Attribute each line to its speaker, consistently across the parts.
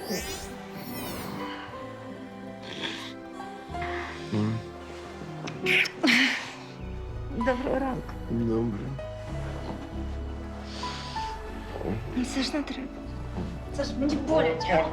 Speaker 1: Доброго ранку.
Speaker 2: Добре.
Speaker 1: Ну, це ж не треба. Це ж мені боляче.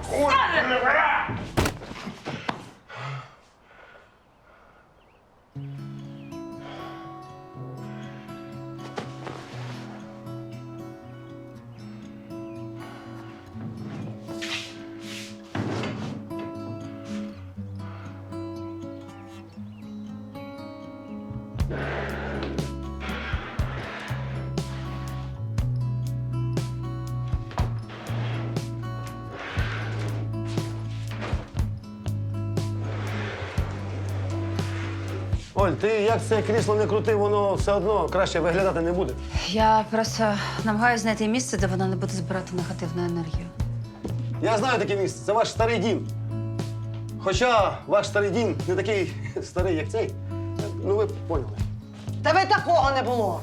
Speaker 2: Оль, ти як це крісло не крути, воно все одно краще виглядати не буде.
Speaker 3: Я просто намагаюся знайти місце, де вона не буде збирати негативну енергію.
Speaker 2: Я знаю таке місце, це ваш старий дім. Хоча ваш старий дім не такий старий, як цей. Ну, ви поняли.
Speaker 4: Та ви такого не було.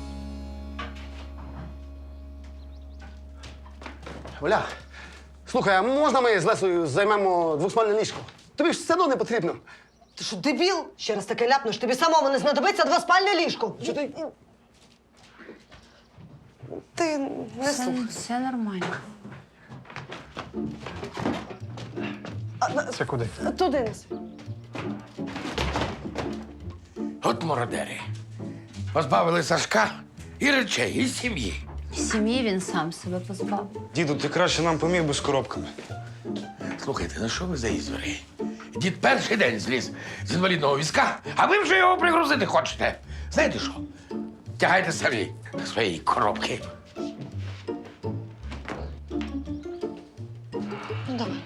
Speaker 2: Оля, слухай, а можна ми з Лесою займемо двоспальне ліжко? Тобі ж все одно не потрібно.
Speaker 4: Ти що, дебіл? Ще раз таке ляпнеш, тобі самому не знадобиться двоспальне ліжко.
Speaker 2: Що ти?
Speaker 4: Ти не слухай.
Speaker 3: Все нормально.
Speaker 5: Це куди?
Speaker 4: Туди неси.
Speaker 6: От мародери. Позбавили Сашка і речей, і сім'ї.
Speaker 3: Сім'ї він сам себе позбав.
Speaker 5: Діду, ти краще нам поміг би з коробками.
Speaker 6: Слухайте, ну що ви за ізвери? Дід перший день зліз з інвалідного візка, а ви вже його пригрузити хочете. Знаєте що? Тягайте самі свої коробки.
Speaker 4: Ну, давай.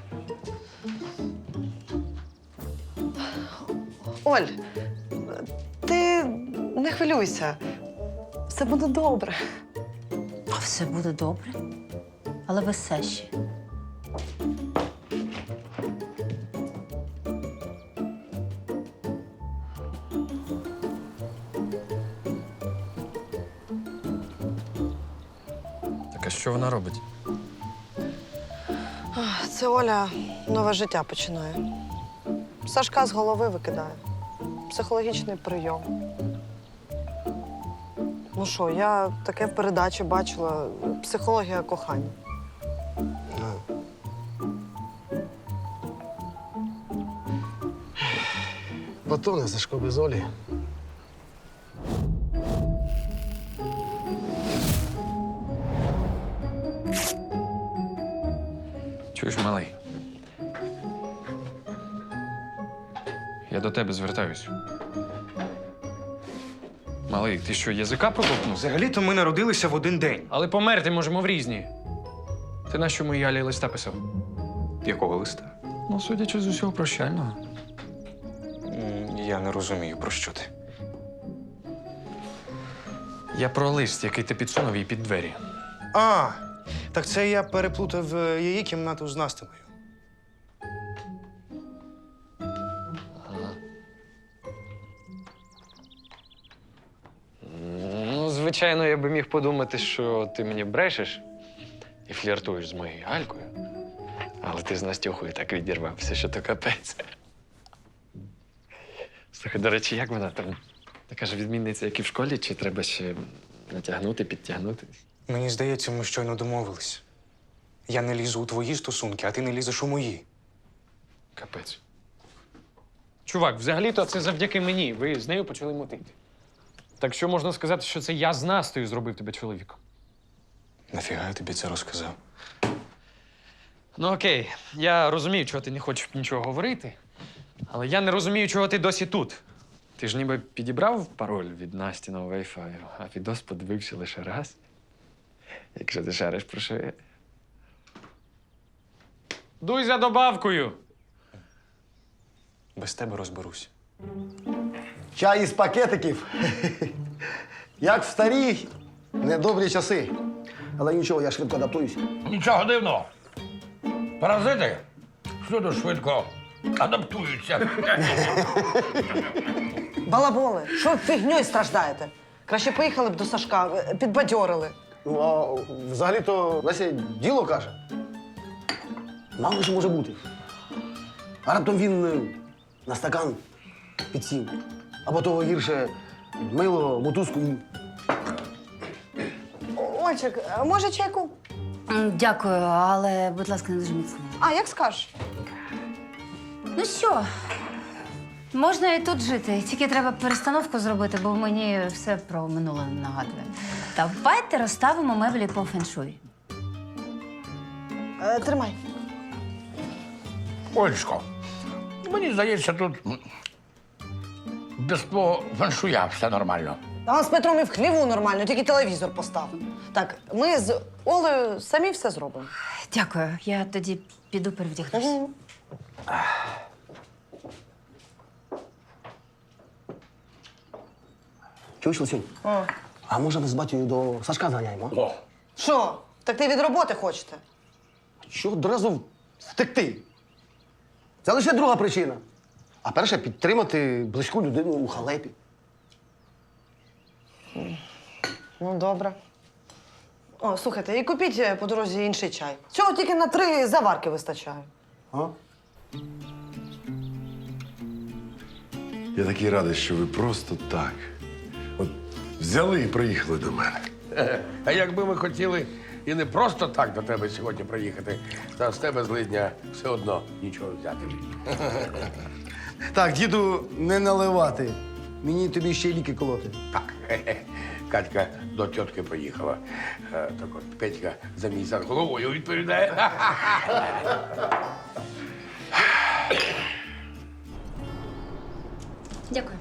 Speaker 4: Оль, ти не хвилюйся. Все буде добре.
Speaker 3: Все буде добре, але без Саші.
Speaker 5: Так а що вона робить?
Speaker 4: Це Оля нове життя починає. Сашка з голови викидає. Психологічний прийом. Ну що, я таке в передачі бачила. Психологія кохання.
Speaker 2: Батони Сашко без Олі.
Speaker 5: Чуєш, малий? Я до тебе звертаюсь. Малий, ти що, язика проковтнув?
Speaker 7: Взагалі-то ми народилися в один день.
Speaker 5: Але померти можемо в різні. Ти на що моїй Алі листа писав?
Speaker 7: Якого листа?
Speaker 5: Ну, судячи з усього прощального.
Speaker 7: Я не розумію, про що ти.
Speaker 5: Я про лист, який ти підсунув їй під двері.
Speaker 7: А, так це я переплутав її кімнату з Настиною.
Speaker 5: Ну, звичайно, я би міг подумати, що ти мені брешеш і фліртуєш з моєю Алькою. Але ти з Настюхою так відірвався, що то капець. Слухай, до речі, як вона там? Така ж відмінниця, як і в школі, чи треба ще натягнути, підтягнути?
Speaker 7: Мені здається, ми щойно домовились. Я не лізу у твої стосунки, а ти не лізеш у мої.
Speaker 5: Капець. Чувак, взагалі-то це завдяки мені. Ви з нею почали мотити. Так що можна сказати, що це я з Настею зробив тебе чоловіком?
Speaker 7: Нафіга я тобі це розказав?
Speaker 5: Ну окей, я розумію, чого ти не хочеш нічого говорити, але я не розумію, чого ти досі тут. Ти ж ніби підібрав пароль від Настіного Wi-Fi, а відос подивився лише раз. Якщо ти шариш про що я. Дуй за добавкою!
Speaker 7: Без тебе розберусь.
Speaker 2: Чай із пакетиків. Як в старі недобрі часи. Але нічого, я швидко адаптуюсь.
Speaker 6: Нічого дивного. Паразити всюди швидко адаптуються.
Speaker 4: Балаболи, що ви фігньою страждаєте? Краще поїхали б до Сашка, підбадьорили.
Speaker 2: Ну, а взагалі-то Леся діло каже. Мало що може бути. А раптом він на стакан підсів. Або того гірше мило, мотузку і.
Speaker 4: Ольчик, може чайку?
Speaker 3: Дякую, але, будь ласка, не дуже міцно.
Speaker 4: А, як скажеш.
Speaker 3: Ну що, можна і тут жити, тільки треба перестановку зробити, бо мені все про минуле нагадує. Давайте розставимо меблі по феншуй.
Speaker 4: Тримай.
Speaker 6: Олечко, мені здається, тут без твого фаншуя все нормально.
Speaker 4: Та з Петром і в хліву нормально, тільки телевізор постав. Так, ми з Олею самі все зробимо.
Speaker 3: Дякую, я тоді піду перевдягнусь.
Speaker 2: Чуєш, Лисюнь? А може ми з батькою до Сашка заганяємо?
Speaker 6: О,
Speaker 4: Що? Так ти від роботи хочете?
Speaker 2: Чого одразу втекти? Це лише друга причина. А перша підтримати близьку людину у халепі.
Speaker 4: Ну, добре. О, слухайте, і купіть по дорозі інший чай. Цього тільки на 3 заварки вистачає.
Speaker 2: А?
Speaker 8: Я такий радий, що ви просто так. От взяли і приїхали до мене.
Speaker 6: а якби ми хотіли і не просто так до тебе сьогодні приїхати, та з тебе злидня все одно нічого взяти.
Speaker 2: Так, діду, не наливати. Мені тобі ще й ліки колоти.
Speaker 6: Так, Катька до тітки поїхала. Так от Петька за мій за головою відповідає.
Speaker 3: Дякую.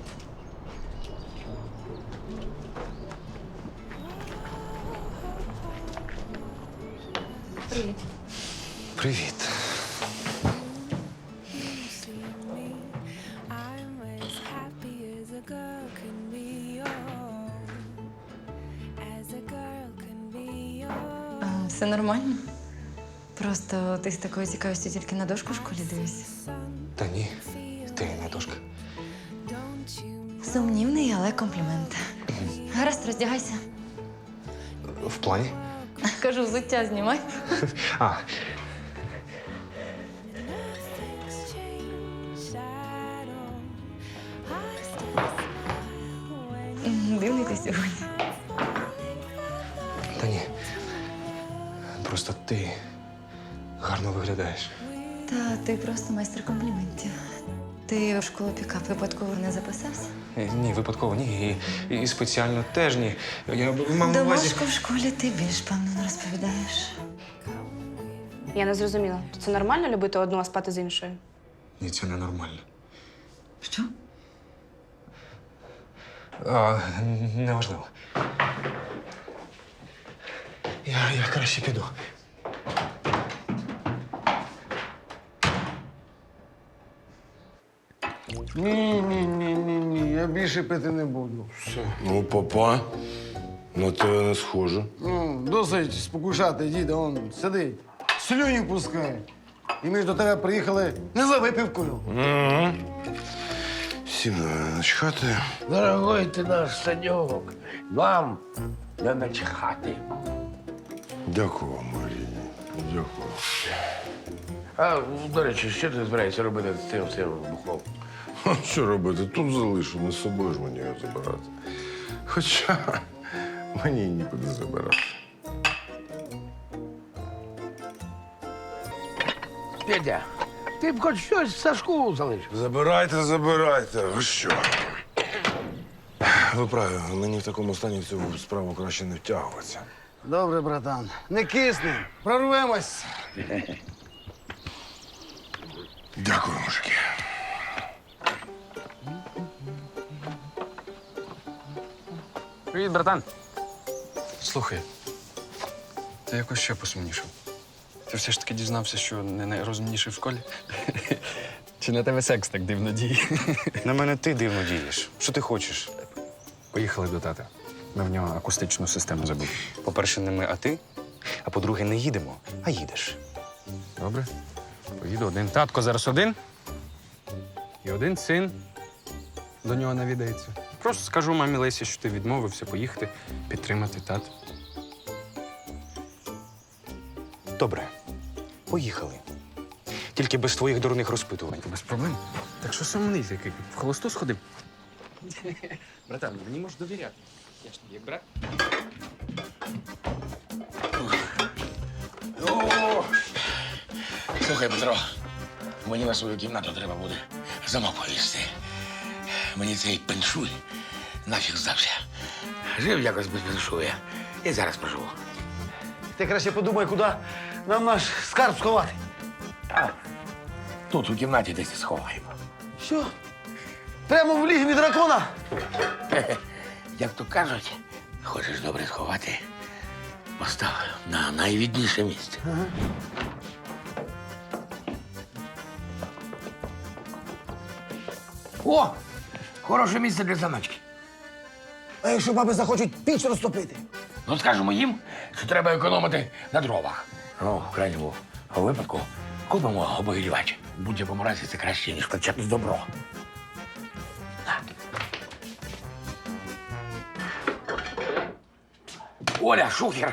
Speaker 3: Привіт.
Speaker 7: Привіт.
Speaker 9: I'm as happy as a girl can be, oh, as a girl can be, oh.
Speaker 10: Все нормально. Просто ти з такою цікавістю тільки на дошку в школі дивишся.
Speaker 7: Та ні, ти не дошка.
Speaker 10: Сумнівний, але комплімент. Гаразд, роздягайся.
Speaker 7: В плані?
Speaker 10: Кажу, взуття знімай.
Speaker 7: А,
Speaker 9: Nothing's changed at all. I still smile when
Speaker 10: Дивний ти сьогодні.
Speaker 7: та ні. Просто ти гарно виглядаєш.
Speaker 10: Та ти просто майстер компліментів. Ти в школу пікап випадково не записався?
Speaker 7: Ні, випадково ні. І спеціально теж ні. Я мав на увазі.
Speaker 10: Домашку в школі ти більш певно розповідаєш.
Speaker 11: Я не зрозуміла. Це нормально любити одну, а спати з іншою?
Speaker 7: Ні, це ненормально.
Speaker 10: Що?
Speaker 7: Неважливо. Я краще піду.
Speaker 2: Ні, я більше пити не буду.
Speaker 8: Ну, папа, на тебе не схоже.
Speaker 2: Ну, досить спокушати, діда, он сидить, слюні пускає. І ми ж до тебе приїхали не за випивкою.
Speaker 8: Всім начхати.
Speaker 6: Дорогой ти наш Саньок, вам не начхати.
Speaker 8: Дякую вам, Марії. Дякую.
Speaker 6: А, до речі, що ти збираєшся робити з цим всім бухлом?
Speaker 8: А що робити? Тут залишу, не з собою ж мені його забирати. Хоча мені й нікуди забирати.
Speaker 6: Петя, ти б хоч щось Сашку залишив.
Speaker 8: Забирайте. Ви що? Ви праві, мені в такому стані в цю справу краще не втягуватися.
Speaker 2: Добре, братан, не кисни, прорвемось.
Speaker 8: Дякую, мужики.
Speaker 5: Привіт, братан. Слухай, ти якось ще посумнішав. Ти все ж таки дізнався, що не найрозумніший в школі? Чи на тебе секс так дивно діє?
Speaker 7: На мене ти дивно дієш. Що ти хочеш?
Speaker 5: Поїхали до тата. Ми в нього акустичну систему забули.
Speaker 7: По-перше, не ми, а ти. А по-друге, не їдемо, а їдеш.
Speaker 5: Добре. Поїду один. Татко зараз один. І один син до нього навідається. Просто скажу мамі Лесі, що ти відмовився поїхати, підтримати тата.
Speaker 7: Добре, поїхали. Тільки без твоїх дурних розпитувань.
Speaker 5: Без проблем. Так що сумний такий? В холосту сходив? Братан, мені можеш довіряти. Я ж тобі як брат.
Speaker 6: О! Слухай, Петро, мені на свою кімнату треба буде замок повісти. Мені цей пеншуй нафіг здався. Жив якось без пеншуя. І зараз проживу.
Speaker 2: Ти краще подумай, куди нам наш скарб сховати.
Speaker 6: Тут у кімнаті десь і сховаємо.
Speaker 2: Що? Прямо в лігві дракона?
Speaker 6: Як то кажуть, хочеш добре сховати, постав на найвідніше місце. О! Хороше місце для заначки.
Speaker 2: А якщо баби захочуть піч розтопити?
Speaker 6: Ну, скажемо їм, що треба економити на дровах. Ну, в крайньому випадку купимо обогрівач. В будь-якому разі це краще, ніж причепне добро. На. Оля, шухер.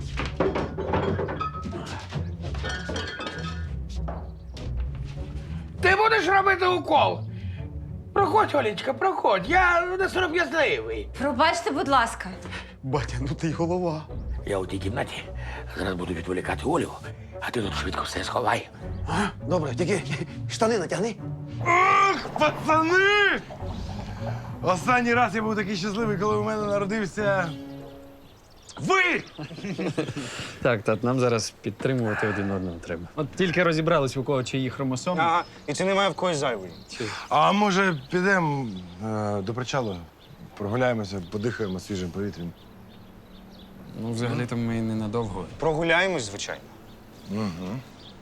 Speaker 6: Ти будеш робити укол? Проходь, Олечка, проходь. Я не сором'язливий.
Speaker 3: Пробачте, будь ласка.
Speaker 2: Батя, ну ти й голова.
Speaker 6: Я у тій кімнаті зараз буду відволікати Олю, а ти тут швидко все сховай.
Speaker 2: А? Добре, тільки штани натягни.
Speaker 8: Пацани! Останній раз я був такий щасливий, коли у мене народився. Ви!
Speaker 5: Так, тат, нам зараз підтримувати один одного треба. От тільки розібрались, у кого чиї хромосоми.
Speaker 7: Ага, і це немає в когось зайвої.
Speaker 8: А може підемо до причалу, прогуляємося, подихаємо свіжим повітрям.
Speaker 5: Ну, взагалі-то ми ненадовго.
Speaker 7: Прогуляємось, звичайно.
Speaker 8: Угу.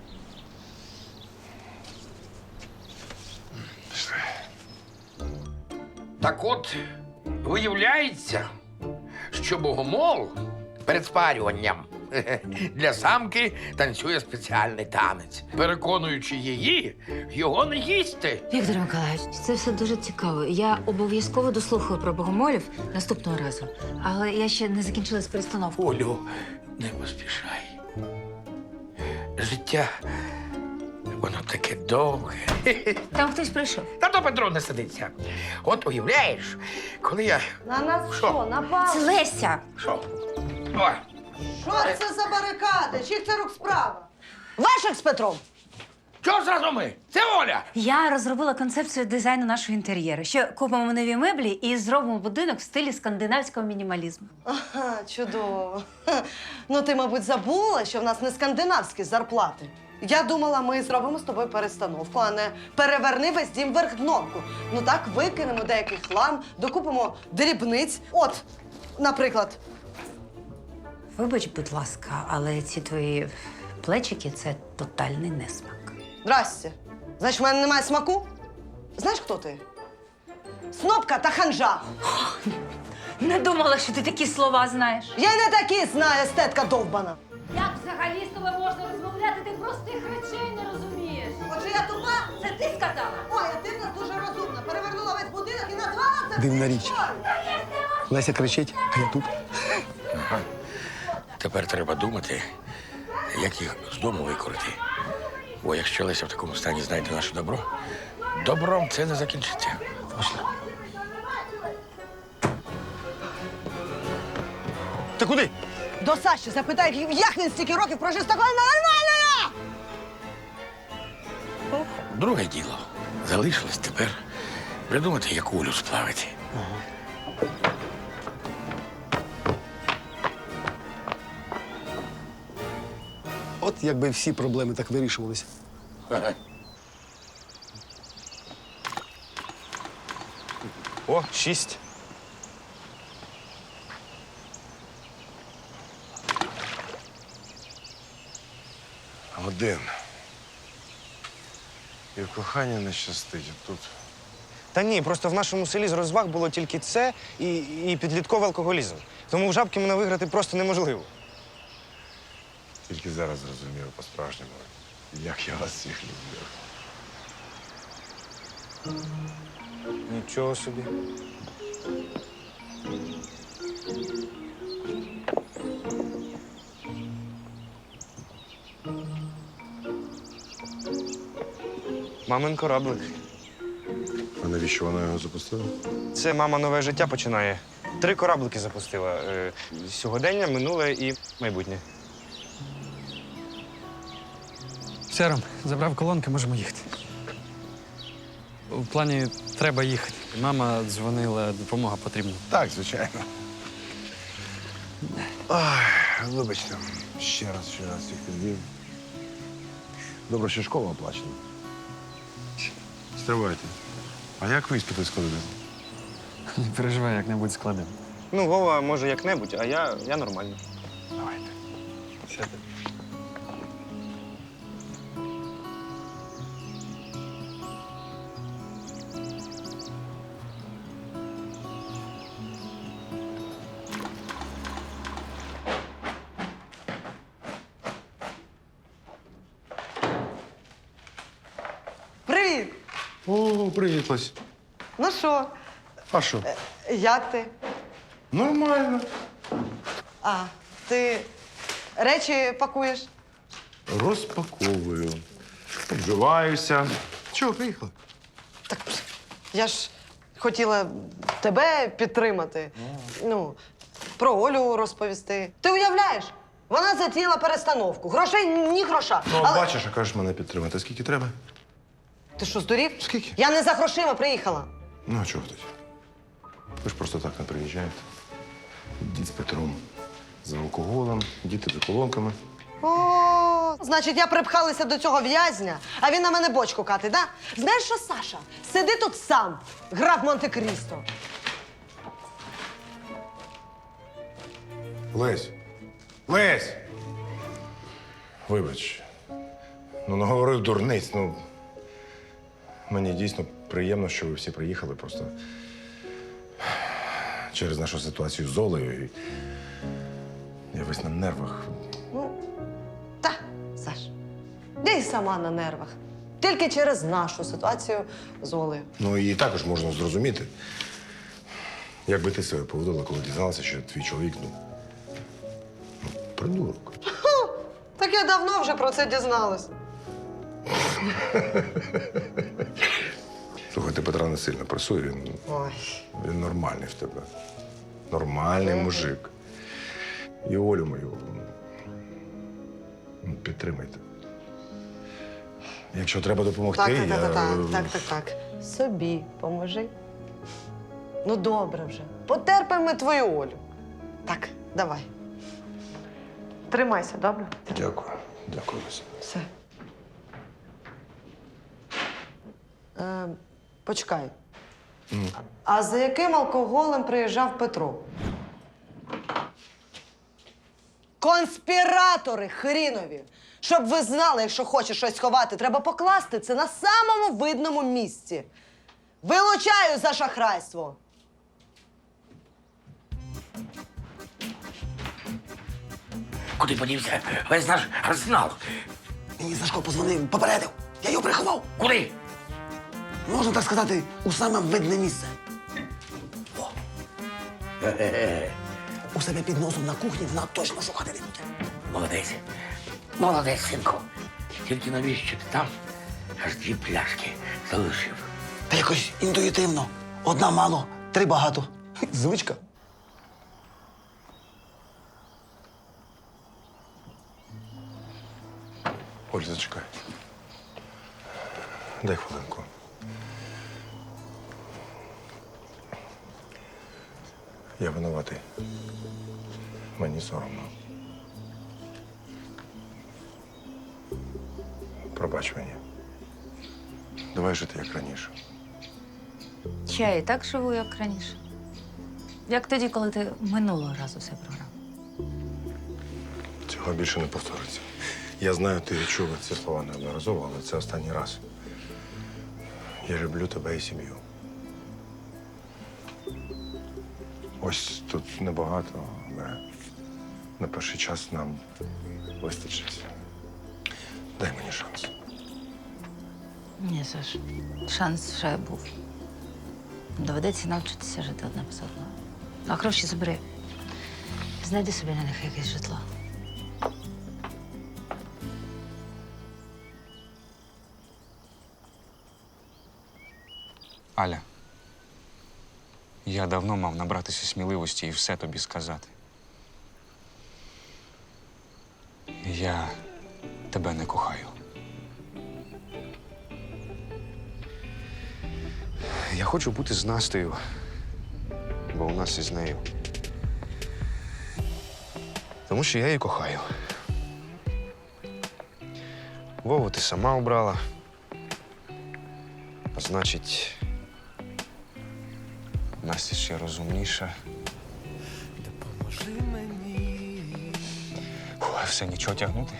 Speaker 6: Так от, виявляється, що богомол перед спарюванням для самки танцює спеціальний танець, переконуючи її його не їсти.
Speaker 10: Віктор Миколаївич, це все дуже цікаво. Я обов'язково дослухаю про богомолів наступного разу. Але я ще не закінчила з перестановкою.
Speaker 6: Олю, не поспішай. Життя, воно таке довге.
Speaker 3: Там хтось прийшов.
Speaker 6: Та то Петро не сидиться. От уявляєш, коли я...
Speaker 4: На нас
Speaker 6: Що?
Speaker 4: що, напали?
Speaker 3: Це Леся.
Speaker 6: Що? Ой,
Speaker 4: Що це за барикади? Чиїх це рук справа? Ваших з Петром?
Speaker 6: чого зразу ми? Це Оля!
Speaker 3: Я розробила концепцію дизайну нашого інтер'єру. Ще купимо нові меблі і зробимо будинок в стилі скандинавського мінімалізму.
Speaker 4: Ага, чудово. Ну, ти, мабуть, забула, що в нас не скандинавські зарплати. Я думала, ми зробимо з тобою перестановку, а не переверни весь дім вверх дном. Ну так, викинемо деякий хлам, докупимо дрібниць. От, наприклад.
Speaker 3: Вибач, будь ласка, але ці твої плечики це тотальний несмак.
Speaker 4: Здрасте. Значить, в мене немає смаку? Знаєш, хто ти? Снопка та ханжа.
Speaker 3: Не думала, що ти такі слова знаєш.
Speaker 4: Я й не такі знаю, естетка довбана.
Speaker 1: Як взагалі з тобою можна розмовляти? Ти простих речей не розумієш.
Speaker 4: Отже, я тупа?
Speaker 1: Це ти сказала?
Speaker 4: Ой, а ти в нас дуже розумна. Перевернула весь будинок і назвала це...
Speaker 2: Дивна річ. Леся кричить, а я тут.
Speaker 6: Тепер треба думати, як їх з дому викорити. Бо якщо Леся в такому стані знайде наше добро, добром це не закінчиться.
Speaker 2: Точно. Ти куди?
Speaker 4: До Саші запитай, як він стільки років прожив з такою нормальною!
Speaker 6: Друге діло. Залишилось тепер придумати, яку Олю сплавити.
Speaker 2: От якби всі проблеми так вирішувалися.
Speaker 7: О, 6.
Speaker 8: Один. І в коханні не щастить, а тут.
Speaker 7: Та ні, просто в нашому селі з розваг було тільки це і підлітковий алкоголізм. Тому в жабки мене виграти просто неможливо.
Speaker 8: Тільки зараз зрозумів по-справжньому, як я вас всіх люблю.
Speaker 7: Нічого собі. Мамин кораблик.
Speaker 8: А навіщо вона його запустила?
Speaker 7: Це мама нове життя починає. 3 кораблики запустила. Сьогодення, минуле і майбутнє.
Speaker 5: Все, Ром, забрав колонки, можемо їхати. У плані треба їхати. Мама дзвонила, допомога потрібна.
Speaker 8: Так, звичайно. Ой, вибачте, ще раз всіх підвів. Добре, що школа оплачена. Стривайте. А як ви іспити складете?
Speaker 5: Не переживай, як-небудь складемо.
Speaker 7: Ну, Вова, може, як-небудь, а я нормально.
Speaker 8: Давайте.
Speaker 5: Сядьте.
Speaker 4: Привіт!
Speaker 8: О, привіт, Лесь.
Speaker 4: Ну що,
Speaker 8: А що?
Speaker 4: як ти?
Speaker 8: Нормально.
Speaker 4: А, ти речі пакуєш?
Speaker 8: Розпаковую. Обживаюся. Чого, приїхали?
Speaker 4: Так я ж хотіла тебе підтримати. Ну, про Олю розповісти. Ти уявляєш? Вона затіяла перестановку. Грошей ні гроша.
Speaker 8: Ну,
Speaker 4: Але-
Speaker 8: бачиш, а кажеш мене підтримати. Скільки треба?
Speaker 4: Ти що, здурів?
Speaker 8: Скільки?
Speaker 4: Я не за грошима приїхала.
Speaker 8: Ну, а чого тоді? Ви ж просто так не приїжджаєте. Дід з Петром за алкоголем, діти за колонками.
Speaker 4: О, значить, я припхалася до цього в'язня, а він на мене бочку катить, да? Знаєш що, Саша? Сиди тут сам, граф Монте-Крісто.
Speaker 8: Лесь! Лесь! Вибач. Ну, наговорив дурниць. Ну, мені дійсно приємно, що ви всі приїхали просто через нашу ситуацію з Олею. І я весь на нервах.
Speaker 4: Ну, та, Саш, я й сама на нервах. Тільки через нашу ситуацію з Олею.
Speaker 8: Ну, її також можна зрозуміти. Як би ти себе поводила, коли дізналася, що твій чоловік, ну, придурок.
Speaker 4: Так я давно вже про це дізналась.
Speaker 8: Слухай, ти Петра не сильно пресує,
Speaker 4: Ой.
Speaker 8: він нормальний в тебе. Нормальний мужик. І Олю мою підтримайте. Якщо треба допомогти,
Speaker 4: Так. Собі поможи. Ну, добре вже. Потерпимо ми твою Олю. Так, давай. Тримайся, добре?
Speaker 8: Дякую. Дякую, Леся.
Speaker 4: Все. Почекай. А за яким алкоголем приїжджав Петро? Конспіратори хрінові! Щоб ви знали, якщо хочеш щось ховати, треба покласти це на самому видному місці. Вилучаю за шахрайство!
Speaker 6: Куди подівся весь наш арсенал?
Speaker 2: Мені Сашко позвонив, попередив. Я його приховав.
Speaker 6: Куди?
Speaker 2: Можна так сказати, у саме видне місце. О. У себе під носом на кухні вона точно шукати не буде.
Speaker 6: Молодець. Молодець, синку. Тільки навіщо ти там аж 2 пляшки залишив?
Speaker 2: Та якось інтуїтивно. Одна мало, 3 багато. Звичка.
Speaker 8: Оль, зачекай. Дай хвилинку. Я винуватий. Мені соромно. Пробач мені. Давай жити як раніше.
Speaker 3: Я і так живу, як раніше. Як тоді, коли ти минулого разу все програв.
Speaker 8: Цього більше не повториться. Я знаю, ти чула ці слова неодноразово, але це останній раз. Я люблю тебе і сім'ю. Ось тут небагато, але на перший час нам вистачить. Дай мені шанс.
Speaker 3: Ні, Саш, шанс вже був. Доведеться навчитися жити одне без одного. А гроші забери. Знайди собі на них якесь житло.
Speaker 7: Аля, я давно мав набратися сміливості і все тобі сказати. Я тебе не кохаю. Я хочу бути з Настею, бо у нас із нею. Тому що я її кохаю. Вову ти сама обрала. А значить, Настя ще розумніша. Ой, все, нічого тягнути.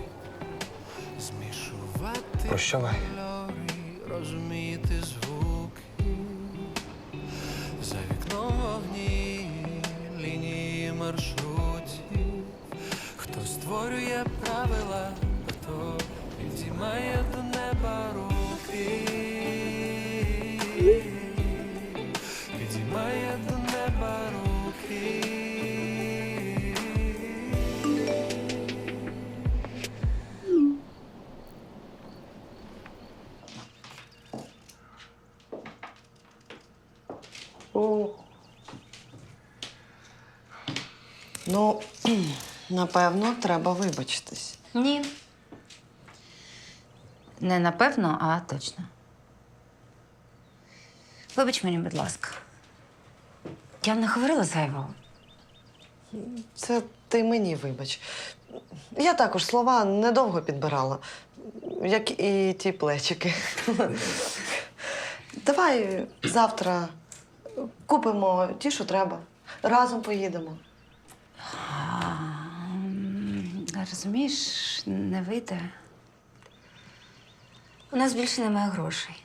Speaker 7: Прощавай.
Speaker 12: Розуміти звуки, за вікном вогні, лінії маршрутів. Хто створює правила, хто підіймає до неба руки, підіймає до неба руки.
Speaker 4: Ну, напевно, треба вибачитись.
Speaker 3: Ні. Не напевно, а точно. Вибач мені, будь ласка. Я не говорила зайвого.
Speaker 4: Це ти мені вибач. Я також слова недовго підбирала, як і ті плечики. Давай завтра купимо ті, що треба. Разом поїдемо.
Speaker 3: Розумієш, не вийде. У нас більше немає грошей.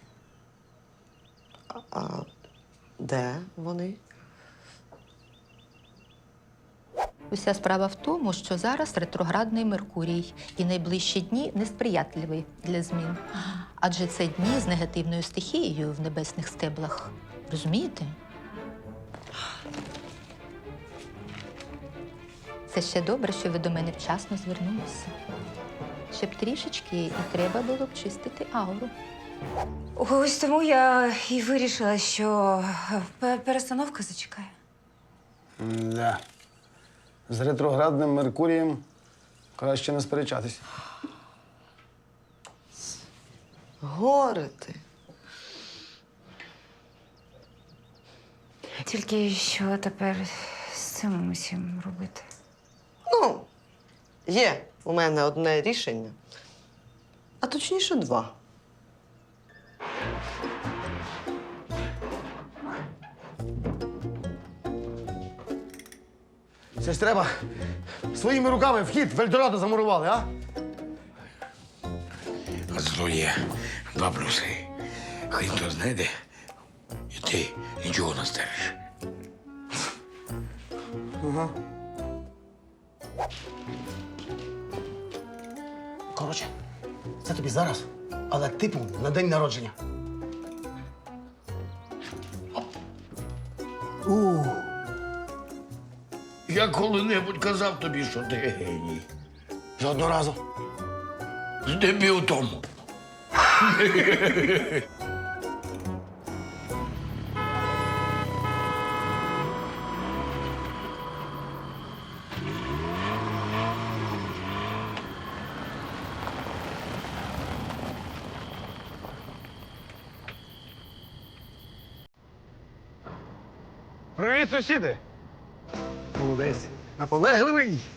Speaker 4: А де вони?
Speaker 13: Уся справа в тому, що зараз ретроградний Меркурій і найближчі дні несприятливі для змін. Адже це дні з негативною стихією в небесних стеблах. Розумієте? Це ще добре, що ви до мене вчасно звернулися. Ще б трішечки і треба було б чистити ауру.
Speaker 3: Ось тому я і вирішила, що перестановка зачекає.
Speaker 2: Да. З ретроградним Меркурієм краще не сперечатись.
Speaker 4: Горе ти.
Speaker 3: Тільки що тепер з цим усім робити?
Speaker 4: Ну, є у мене одне рішення, а точніше два.
Speaker 2: Це ж треба своїми руками вхід в Ельдорадо замурували, а?
Speaker 6: А зато є два плюси. Хай хто знайде, і ти нічого не стереш.
Speaker 2: Ага. Коротше, це тобі зараз, але типу на день народження.
Speaker 6: Я коли-небудь казав тобі, що ти геній.
Speaker 2: Жодного разу.
Speaker 6: Здебіл тому.
Speaker 2: Привіт, сусіди! Молодець. Наполегливий.